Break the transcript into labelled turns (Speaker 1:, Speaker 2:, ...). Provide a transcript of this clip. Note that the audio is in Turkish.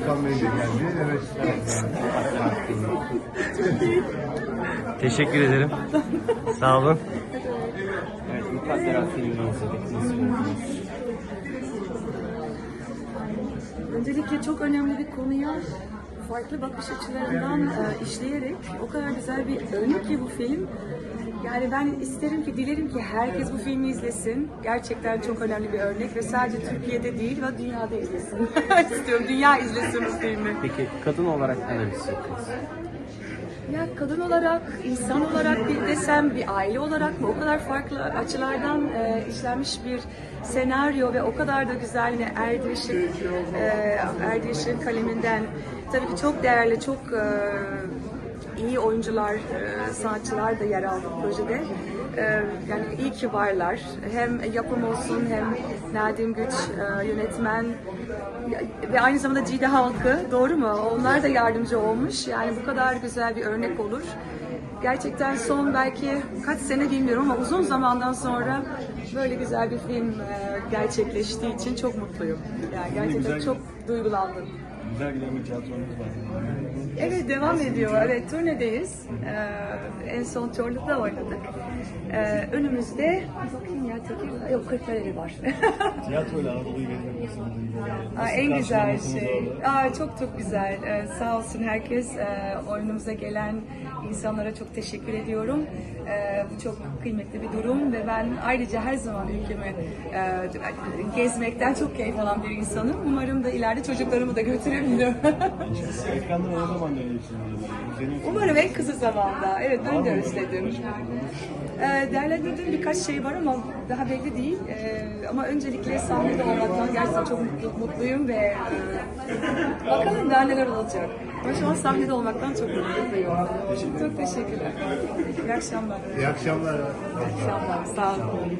Speaker 1: Volkan Bey de geldi. Evet.
Speaker 2: Teşekkür ederim. Sağ olun. Evet, Mukadderat filmini izledik. Nasıl buldunuz?
Speaker 3: Öncelikle çok önemli bir konuya farklı bakış açılarından işleyerek o kadar güzel bir örnek ki bu film. Yani ben isterim ki, dilerim ki herkes bu filmi izlesin. Gerçekten çok önemli bir örnek ve sadece Türkiye'de değil ve dünyada izlesin. İstiyorum, dünya izlesin bu filmi.
Speaker 2: Peki kadın olarak neler hissediyorsunuz?
Speaker 3: Ya kadın olarak, insan olarak bir desem, bir aile olarak mı? O kadar farklı açılardan işlenmiş bir senaryo ve o kadar da güzel yine Erdirş'in kaleminden. Tabii ki çok değerli, çok iyi oyuncular, sanatçılar da yer aldı projede. Yani iyi ki varlar. Hem yapım olsun hem Nadim Güç yönetmen ve aynı zamanda Cide halkı, doğru mu? Onlar da yardımcı olmuş. Yani bu kadar güzel bir örnek olur. Gerçekten son belki kaç sene bilmiyorum ama uzun zamandan sonra böyle güzel bir film gerçekleştiği için çok mutluyum. Yani gerçekten çok duygulandım.
Speaker 4: Güzel giden bir tiyatromuz var.
Speaker 3: Evet, devam ediyor. Evet, turnedeyiz. En son Çorlu'da oynadık. Önümüzde, bakayım ya, Tekirdağ, yok, Kırklareli var.
Speaker 4: Tiyatroyla Anadolu'yu gezmek nasıl?
Speaker 3: En güzel şey. Çok güzel. Sağ olsun herkes. Oyunumuza gelen insanlara çok teşekkür ediyorum. Bu çok kıymetli bir durum ve ben ayrıca her zaman ülkemi gezmekten çok keyif alan bir insanım. Umarım da ileride çocuklarımı da götürebilirim.
Speaker 4: Ekrandan ne zaman döneceksiniz?
Speaker 3: Umarım en kısa zamanda. Evet, ben de özledim. Değerlendirdiğim birkaç şey var ama daha belli değil. Ama öncelikle sahnede olmaktan gerçekten çok mutluyum ve bakalım daha neler olacak. Ama şu an sahnede olmaktan çok mutluyum. Çok teşekkürler. İyi akşamlar.
Speaker 1: İyi akşamlar.
Speaker 3: İyi akşamlar. Sağ olun.